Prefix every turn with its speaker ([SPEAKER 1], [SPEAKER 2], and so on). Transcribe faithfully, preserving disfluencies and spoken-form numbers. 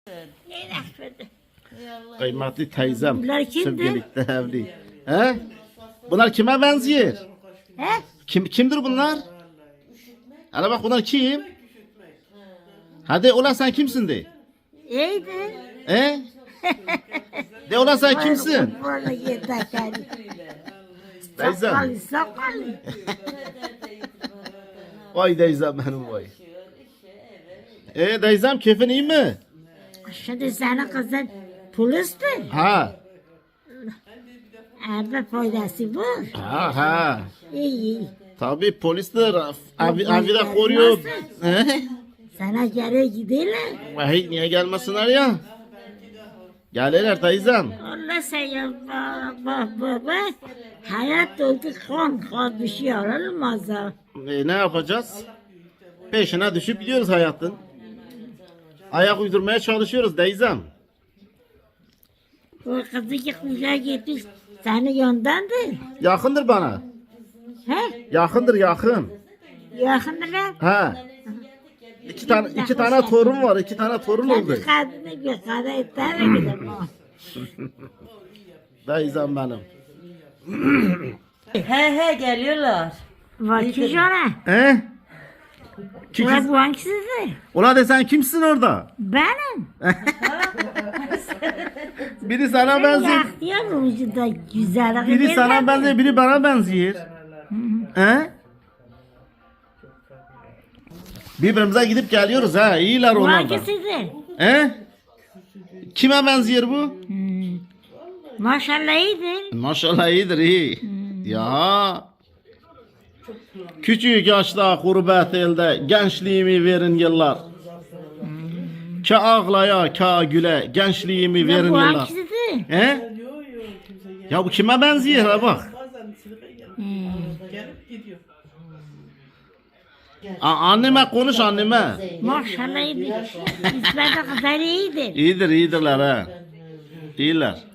[SPEAKER 1] Kıymetli teyzem.
[SPEAKER 2] Bunlar kimdir?
[SPEAKER 1] Sevgilikte evli. He? Bunlar kime benziyor?
[SPEAKER 2] He?
[SPEAKER 1] Kim kimdir bunlar? Hele bak bunlar kim? Hadi ulan sen kimsin de?
[SPEAKER 2] İyiydi.
[SPEAKER 1] He? De ulan sen kimsin?
[SPEAKER 2] Vallahi yeter.
[SPEAKER 1] Teyzem.
[SPEAKER 2] Sakalı sakalı.
[SPEAKER 1] Vay teyzem benim vay. E teyzem keyfin iyi mi?
[SPEAKER 2] Şimdi senin kızın polisti.
[SPEAKER 1] Ha.
[SPEAKER 2] Evde faydası var.
[SPEAKER 1] Ha ha.
[SPEAKER 2] İyi iyi.
[SPEAKER 1] Tabii polisler evi, evi de koruyor. He?
[SPEAKER 2] Sana geri giderler.
[SPEAKER 1] Vay niye gelmesinler ya? Gelirler teyzem.
[SPEAKER 2] Allah sen ya bak bak bak bak. Hayat oldu kan kan bir şey olmaz ha.
[SPEAKER 1] E, ne yapacağız? Peşine düşüp gidiyoruz hayatın. Ayak uydurmaya çalışıyoruz teyzem.
[SPEAKER 2] O kızı ki kuşa gitmiş. Senin yandandı.
[SPEAKER 1] Yakındır bana.
[SPEAKER 2] He?
[SPEAKER 1] Yakındır yakın.
[SPEAKER 2] Yakındılar.
[SPEAKER 1] Ha. İki tane iki tane torun var. iki tane torun oldu.
[SPEAKER 2] Kendi kadını bir kadar etter mi gidelim o?
[SPEAKER 1] Teyzem benim.
[SPEAKER 3] He he geliyorlar.
[SPEAKER 2] Vakit ona.
[SPEAKER 1] He? Ki-
[SPEAKER 2] Ulan bu hangisidir?
[SPEAKER 1] Ulan de sen kimsin orada?
[SPEAKER 2] Benim.
[SPEAKER 1] Biri sana benziyor.
[SPEAKER 2] Yaktıyor vücuda güzellik.
[SPEAKER 1] Biri sana benziyor, biri bana benziyor. He? Birbirimize gidip geliyoruz ha. İyiler
[SPEAKER 2] Bu
[SPEAKER 1] onlar da.
[SPEAKER 2] hangisidir?
[SPEAKER 1] He? Kime benziyor bu?
[SPEAKER 2] Maşallah iyidir.
[SPEAKER 1] Maşallah iyidir iyi. Ya. Küçük yaşta gurbet elde gençliğimi verin yıllar. Ka ağlaya ka güle gençliğimi verin
[SPEAKER 2] Bu
[SPEAKER 1] yıllar.
[SPEAKER 2] hangisidir?
[SPEAKER 1] He? Ya bu kime benziyor ha bak. A anneme konuş anneme.
[SPEAKER 2] Maşallah iyidir. İsmet de kızlar iyidir.
[SPEAKER 1] İyidir iyidirler ha. İyiler.